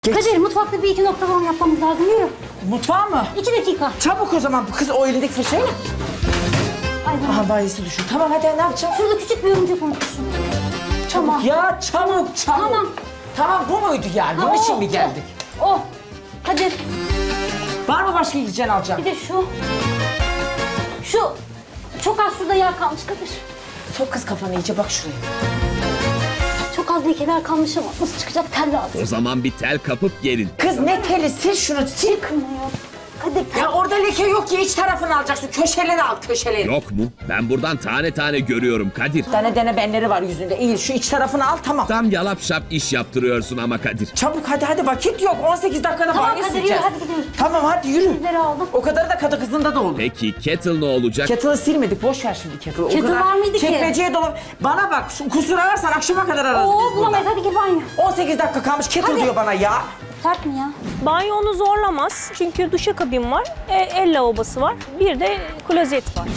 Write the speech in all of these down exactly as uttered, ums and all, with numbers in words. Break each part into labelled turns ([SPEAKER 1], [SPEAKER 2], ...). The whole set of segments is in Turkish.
[SPEAKER 1] Geç.
[SPEAKER 2] Kadir, mutfakta bir iki nokta falan yapmamız lazım. Yürü.
[SPEAKER 1] Mutfağa mı?
[SPEAKER 2] İki dakika.
[SPEAKER 1] Çabuk o zaman bu kız o elindeki fırçayla.
[SPEAKER 2] Ay, ben-
[SPEAKER 1] Aha bayisi düşün. Tamam hadi ne yapacağım?
[SPEAKER 2] Şurada küçük bir örümcek unutmuşum. Tamam.
[SPEAKER 1] Ya çabuk çabuk.
[SPEAKER 2] Tamam.
[SPEAKER 1] Tamam bu muydu yani? Bunun
[SPEAKER 2] Ha,
[SPEAKER 1] için
[SPEAKER 2] o,
[SPEAKER 1] mi geldik?
[SPEAKER 2] O. o. Kadir,
[SPEAKER 1] Var mı başka gideceğin alacağım?
[SPEAKER 2] bir de şu. Şu. Çok az şurada yağ kalmış Kadir.
[SPEAKER 1] Sok kız kafanı iyice bak şuraya.
[SPEAKER 2] Çok az lekeler kalmış ama nasıl çıkacak tel lazım.
[SPEAKER 3] O zaman bir tel kapıp gelin.
[SPEAKER 1] Kız ne teli sil şunu sil.
[SPEAKER 2] Çıkmıyor. Kadir, tel.
[SPEAKER 1] Ya orada leke yok ya iç tarafını alacaksın. Köşeleri al köşeleri.
[SPEAKER 3] Yok mu? Ben buradan tane tane görüyorum Kadir.
[SPEAKER 1] Tane dene benleri var yüzünde. İyi şu iç tarafını al tamam.
[SPEAKER 3] Tam yalap şap iş yaptırıyorsun ama Kadir.
[SPEAKER 1] Çabuk hadi hadi vakit yok. on sekiz dakikada
[SPEAKER 2] Tamam
[SPEAKER 1] banyo
[SPEAKER 2] Kadir, yürü,
[SPEAKER 1] sileceğiz.
[SPEAKER 2] hadi gidiyoruz.
[SPEAKER 1] Tamam hadi yürü.
[SPEAKER 2] Bizleri aldım.
[SPEAKER 1] O kadar da kadı kızında da olur.
[SPEAKER 3] Peki kettle ne olacak?
[SPEAKER 1] Kettle'ı silmedik. Boş ver şimdi kettle'ı. O
[SPEAKER 2] Kettle
[SPEAKER 1] kadar
[SPEAKER 2] var mıydı ki?
[SPEAKER 1] Çekmeceye dolap. Bana bak kusur ararsan akşama kadar ararız
[SPEAKER 2] Oo,
[SPEAKER 1] biz burada.
[SPEAKER 2] bulamayız, hadi git banyo.
[SPEAKER 1] on sekiz dakika kalmış kettle
[SPEAKER 2] Hadi.
[SPEAKER 1] diyor bana ya.
[SPEAKER 2] Sert mi ya?
[SPEAKER 4] Banyo onu zorlamaz. Çünkü duşakabin var, e, el lavabosu var, bir de klozet var.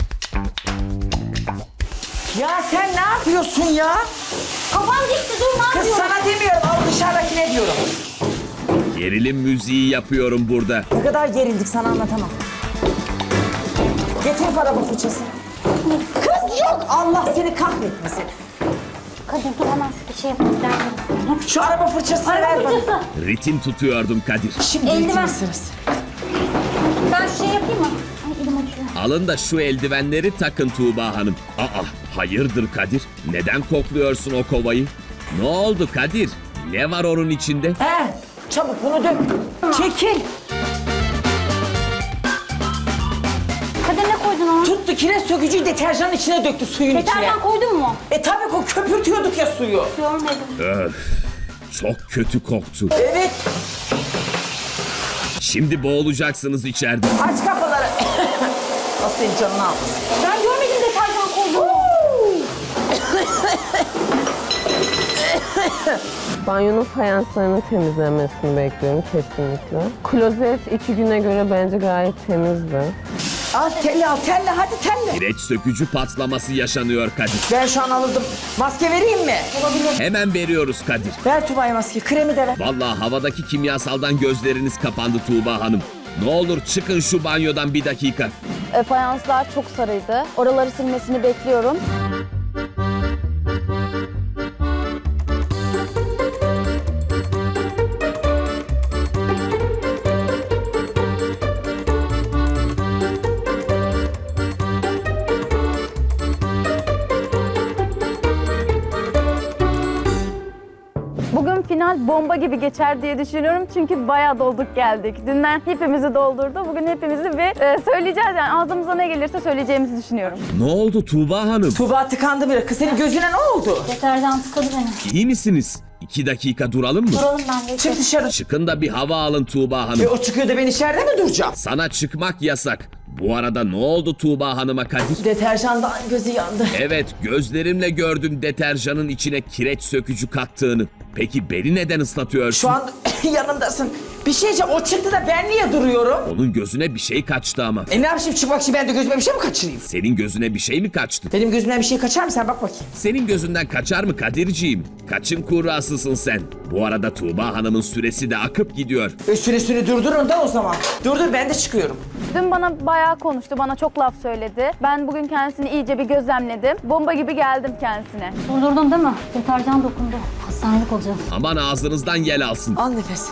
[SPEAKER 1] Ya sen ne yapıyorsun ya?
[SPEAKER 2] Kafam gitti, dur, ne
[SPEAKER 1] Kız
[SPEAKER 2] yapıyorsun?
[SPEAKER 1] sana demiyorum al dışarıdakine diyorum.
[SPEAKER 3] Gerilim müziği yapıyorum burada.
[SPEAKER 1] Ne kadar gerildik sana anlatamam. Getir araba fırçası. Kız yok Allah seni kahretmesin.
[SPEAKER 2] Kadir dur, hemen şurada şey yapalım. Derdim.
[SPEAKER 1] Şu araba fırçasını ver
[SPEAKER 2] Araba
[SPEAKER 1] bana.
[SPEAKER 2] fırçası.
[SPEAKER 3] Ritim tutuyordum Kadir.
[SPEAKER 1] Şimdi
[SPEAKER 2] Eldiven.
[SPEAKER 1] eğitim sırası.
[SPEAKER 2] Ben şu şey yapayım mı? Ay, elim acıyor.
[SPEAKER 3] Alın da şu eldivenleri takın Tuğba Hanım. Aa, hayırdır Kadir? Neden kokluyorsun o kovayı? Ne oldu Kadir? Ne var onun içinde?
[SPEAKER 1] He çabuk bunu dök. Çekil.
[SPEAKER 2] Kadir, ne koydun ona?
[SPEAKER 1] Tuttu kireç sökücüyü deterjanın içine döktü suyun içine.
[SPEAKER 2] Deterjan koydun mu?
[SPEAKER 1] E tabii ko köpürtüyorduk ya suyu.
[SPEAKER 2] Görmedim.
[SPEAKER 3] Öf, çok kötü koktu.
[SPEAKER 1] Evet.
[SPEAKER 3] Şimdi boğulacaksınız içeride.
[SPEAKER 1] Aç kapıları. Nasıl senin canını almasın.
[SPEAKER 2] Ben görmedim deterjan koyduğunu.
[SPEAKER 5] Banyonun fayanslarının temizlenmesini bekliyorum kesinlikle. Klozet iki güne göre bence gayet temizdi.
[SPEAKER 1] Al telli al telli hadi telli.
[SPEAKER 3] Kireç sökücü patlaması yaşanıyor Kadir.
[SPEAKER 1] Ben şu an alırdım. Maske vereyim mi?
[SPEAKER 3] Hemen veriyoruz Kadir.
[SPEAKER 1] Ver Tuba'ya maske kremi de ver.
[SPEAKER 3] Vallahi havadaki kimyasaldan gözleriniz kapandı Tuğba Hanım. Ne olur çıkın şu banyodan bir dakika.
[SPEAKER 6] E, fayanslar çok sarıydı. Oraları silmesini bekliyorum. Bugün final bomba gibi geçer diye düşünüyorum. Çünkü bayağı dolduk geldik. Dünden hepimizi doldurdu. Bugün hepimizi bir e, söyleyeceğiz yani. Ağzımıza ne gelirse söyleyeceğimizi düşünüyorum.
[SPEAKER 3] Ne oldu Tuğba Hanım?
[SPEAKER 1] Tuba tıkandı bile. Kız senin gözüne ne oldu?
[SPEAKER 2] Deterjan tıkadı beni.
[SPEAKER 3] İyi misiniz? İki dakika duralım mı?
[SPEAKER 2] Duralım ben de.
[SPEAKER 1] Çık dışarı.
[SPEAKER 3] Çıkın da bir hava alın Tuğba Hanım.
[SPEAKER 1] E, o çıkıyor da ben içeride mi duracağım?
[SPEAKER 3] Sana çıkmak yasak. Bu arada ne oldu Tuğba Hanım'a Kadir?
[SPEAKER 1] Deterjandan gözü yandı.
[SPEAKER 3] Evet, gözlerimle gördüm deterjanın içine kireç sökücü kattığını. Peki beni neden ıslatıyorsun?
[SPEAKER 1] Şu an yanımdasın. Bir şey diyeceğim, o çıktı da ben niye duruyorum?
[SPEAKER 3] Onun gözüne bir şey kaçtı ama.
[SPEAKER 1] E ne yapayım çıkmak için ben de gözüme bir şey mi kaçırayım?
[SPEAKER 3] Senin gözüne bir şey mi kaçtı?
[SPEAKER 1] Benim gözümden bir şey kaçar mı sen bak bakayım.
[SPEAKER 3] Senin gözünden kaçar mı Kadirciğim? Kaçın kurrasısın sen. Bu arada Tuğba Hanım'ın süresi de akıp gidiyor.
[SPEAKER 1] E süresini durdurun da o zaman. Durdur ben de çıkıyorum.
[SPEAKER 6] Dün bana bayağı konuştu, bana çok laf söyledi. Ben bugün kendisini iyice bir gözlemledim. Bomba gibi geldim kendisine.
[SPEAKER 2] Durdurdun değil mi? Deterjan dokundu. Hastanelik olacağız.
[SPEAKER 3] Aman ağzınızdan yel alsın.
[SPEAKER 1] Al nefes.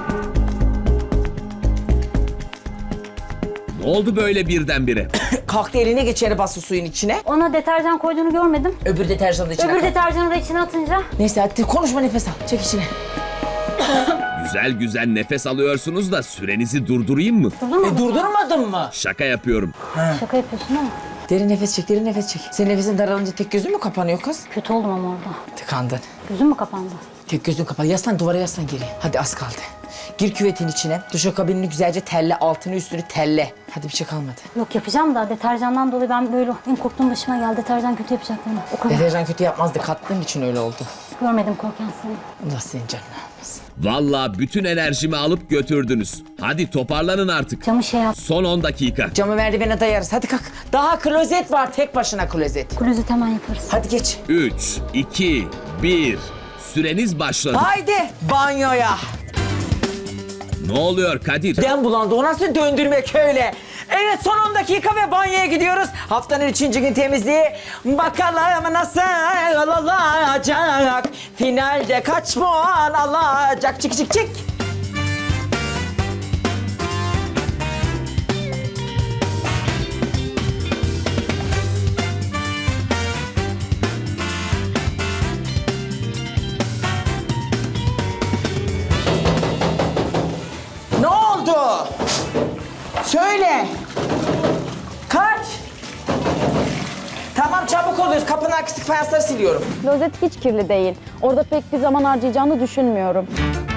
[SPEAKER 3] Ne oldu böyle birdenbire?
[SPEAKER 1] Kalktı eline geçeri bastı suyun içine.
[SPEAKER 2] Ona deterjan koyduğunu görmedim.
[SPEAKER 1] Öbür deterjanı da içine
[SPEAKER 2] Öbür
[SPEAKER 1] kalktı.
[SPEAKER 2] deterjanı da içine atınca.
[SPEAKER 1] Neyse hadi konuşma nefes al. Çek içine.
[SPEAKER 3] Güzel güzel nefes alıyorsunuz da sürenizi durdurayım mı?
[SPEAKER 1] E durdurmadın mı?
[SPEAKER 3] Şaka yapıyorum.
[SPEAKER 2] Şaka yapıyorsun ama.
[SPEAKER 1] Derin nefes çek, derin nefes çek. Senin nefesin daralınca tek gözün mü kapanıyor kız?
[SPEAKER 2] Kötü oldum ama orada.
[SPEAKER 1] Tıkandın.
[SPEAKER 2] Gözüm mü kapandı?
[SPEAKER 1] Tek gözün kapalı. Yaslan duvara yaslan geri. Hadi az kaldı. Gir küvetin içine. Duşakabinini güzelce telle. Altını üstünü telle. Hadi bir şey kalmadı.
[SPEAKER 2] Yok yapacağım da deterjandan dolayı ben böyle en korktuğum başıma geldi. Deterjan kötü yapacak beni. O kadar.
[SPEAKER 1] Deterjan kötü yapmazdı. Kattığın için öyle oldu.
[SPEAKER 2] Görmedim korkan seni.
[SPEAKER 1] Allah senin canını almasın.
[SPEAKER 3] Vallahi bütün enerjimi alıp götürdünüz. Hadi toparlanın artık.
[SPEAKER 2] Camı şey yap.
[SPEAKER 3] Son on dakika.
[SPEAKER 1] Camı merdivene dayarız. Hadi kalk. Daha klozet var. Tek başına klozet.
[SPEAKER 2] Klozet hemen yaparız.
[SPEAKER 1] Hadi geç.
[SPEAKER 3] üç, iki, bir. Süreniz başladı.
[SPEAKER 1] Haydi banyoya.
[SPEAKER 3] Ne oluyor Kadir?
[SPEAKER 1] Den bulandı. O nasıl döndürmek öyle? Evet, son on dakika ve banyoya gidiyoruz. Haftanın üçüncü gün temizliği. Bakalım nasıl olacak? Finalde kaç puan alacak? Çık çık çık. Ne oldu? Söyle. Kaç? Tamam, çabuk oluyoruz. Kapının arkası fayansları siliyorum.
[SPEAKER 6] Klozet hiç kirli değil. Orada pek bir zaman harcayacağını düşünmüyorum.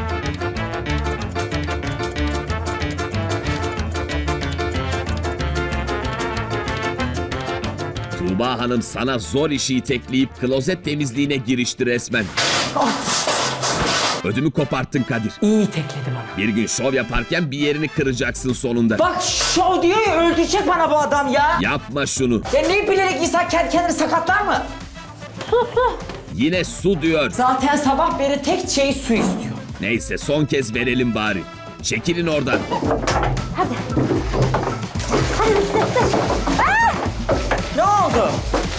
[SPEAKER 3] Tuğba Hanım sana zor işi itekleyip klozet temizliğine girişti resmen. Ödümü koparttın Kadir.
[SPEAKER 1] İyi tekledi bana.
[SPEAKER 3] Bir gün şov yaparken bir yerini kıracaksın sonunda.
[SPEAKER 1] Bak, şov diyor ya, öldürecek bana bu adam ya.
[SPEAKER 3] Yapma şunu.
[SPEAKER 1] Ya ne bilerek insan kendi kendini sakatlar mı?
[SPEAKER 3] Yine su diyor.
[SPEAKER 1] Zaten sabah beri tek şey su istiyor.
[SPEAKER 3] Neyse son kez verelim bari. Çekilin oradan.
[SPEAKER 1] Ne oldu?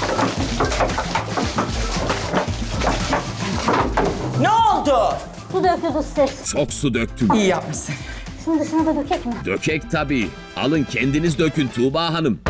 [SPEAKER 1] Ne oldu?
[SPEAKER 2] Su döküyordu size.
[SPEAKER 3] Çok su döktüm.
[SPEAKER 1] İyi yapmışsın.
[SPEAKER 2] Şunun dışına da dökek mi?
[SPEAKER 3] Dökek tabii. Alın kendiniz dökün Tuğba Hanım.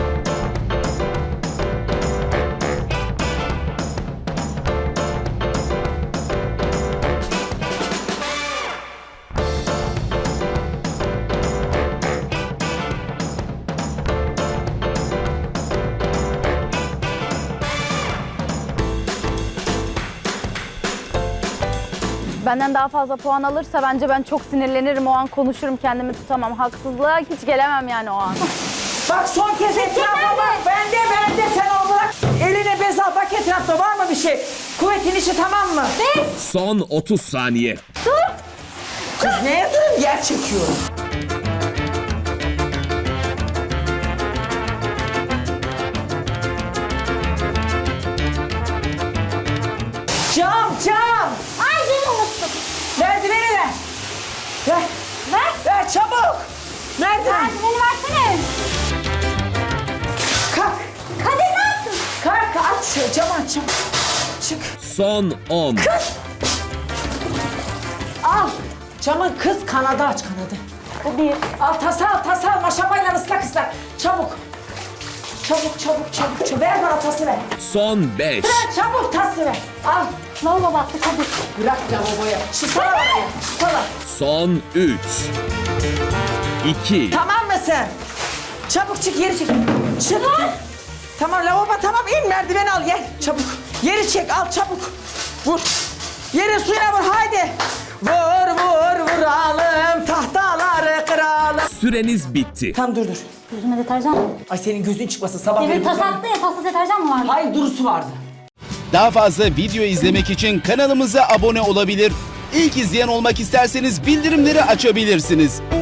[SPEAKER 6] Benden daha fazla puan alırsa bence ben çok sinirlenirim. O an konuşurum, kendimi tutamam. Haksızlığa hiç gelemem yani o an.
[SPEAKER 1] Bak, son kez etrafa bak. Bende bende sen al bırak. Eline bez al, bak etrafta var mı bir şey? Kuvvetin işi tamam mı?
[SPEAKER 3] Son otuz saniye.
[SPEAKER 1] Kız neye durun? Yer çekiyorum. Cam cam.
[SPEAKER 2] Ay beni unuttum.
[SPEAKER 1] Merdiveni ver. Ver.
[SPEAKER 2] Ver.
[SPEAKER 1] Ver çabuk. Merdiven.
[SPEAKER 2] Merdiveni versene.
[SPEAKER 1] Kalk.
[SPEAKER 2] Kadir ne yaptın?
[SPEAKER 1] Kalk, aç şu camı aç. Çabuk. Çık.
[SPEAKER 3] Son on.
[SPEAKER 1] Al. Camın kız kanadı aç, kanadı.
[SPEAKER 2] Bu bir.
[SPEAKER 1] Al tasa al tasa al. Maşamayla ıslak ıslak. Çabuk. Çabuk çabuk çabuk. çabuk. Ver bana tası ver.
[SPEAKER 3] Son beş.
[SPEAKER 1] Ver çabuk tası ver. Al.
[SPEAKER 2] Lavabo battı Kadir.
[SPEAKER 1] Bırak lavaboya. Şu sana var ya. Şu sana.
[SPEAKER 3] Son üç. iki.
[SPEAKER 1] Tamam mısın? Çabuk çık, yeri çek. Çık. Tamam, lavabo tamam, in merdiveni al gel. Çabuk. Yeri çek, al çabuk. Vur. Yeri suyuna vur, haydi. Vur vur vuralım, tahtaları kıralım.
[SPEAKER 3] Süreniz bitti.
[SPEAKER 1] Tamam, dur dur.
[SPEAKER 2] Yüzüme deterjan mı?
[SPEAKER 1] Ay, senin gözün çıkmasın sabah
[SPEAKER 2] Demir
[SPEAKER 1] beri
[SPEAKER 2] tas
[SPEAKER 1] buradan-
[SPEAKER 2] attı ya, tasla deterjan mı vardı?
[SPEAKER 1] Hayır, durusu vardı.
[SPEAKER 7] Daha fazla video izlemek için kanalımıza abone olabilir. İlk izleyen olmak isterseniz bildirimleri açabilirsiniz.